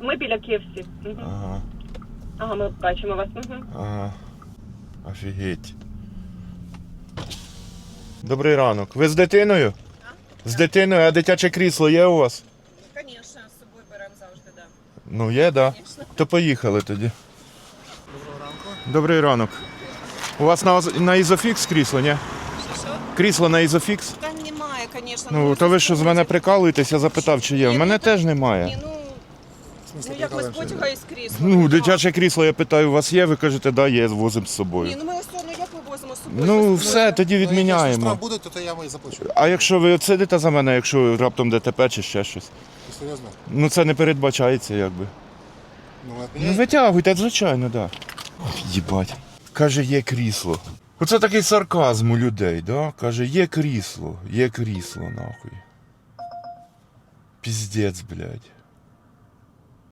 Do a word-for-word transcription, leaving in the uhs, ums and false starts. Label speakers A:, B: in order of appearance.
A: Ми біля Київсі. Угу.
B: Ага.
A: Ага, ми бачимо вас. Угу.
B: Ага. Офігеть. Добрий ранок. Ви з дитиною?
C: А?
B: З дитиною, а дитяче крісло є у вас?
C: Звісно, з собою беремо завжди, да.
B: Ну є, так? Да?
C: Конечно.
B: То поїхали тоді.
D: Доброго ранку.
B: Добрий ранок. У вас на, на ізофікс крісло, ні?
C: Що?
B: Крісло на ізофікс?
C: Та немає, звісно.
B: Ну, то ви що з мене прикалуєтесь, я запитав, чи є. У
C: Ні,
B: мене
C: ну,
B: теж
C: Ні,
B: немає.
C: ну,
D: В смысле,
C: ну як ми з
D: прикалуємося?
C: потяга із крісла.
B: Ну, дитяче крісло, я питаю, у вас є? Ви кажете, да, є, возимо з
C: Ні,
B: собою.
C: ну ми ось ну як ми возимо з собою?
B: Ну,
C: Без-
B: все, тоді
D: Ну, якщо
B: відміняємо.
D: штраф буде, то, то я вам і заплачу.
B: А якщо ви сидите за мене, якщо раптом ДТП чи ще щось?
D: Ти серйозно?
B: Ну це не передбачається, якби.
D: Ну, от
B: Ну
D: мене...
B: витягуйте, звичайно, так. Да. Єбать. Каже, є крісло. Оце такий сарказм у людей, да? Каже, є крісло, є крісло, нахуй. Піздець, блядь.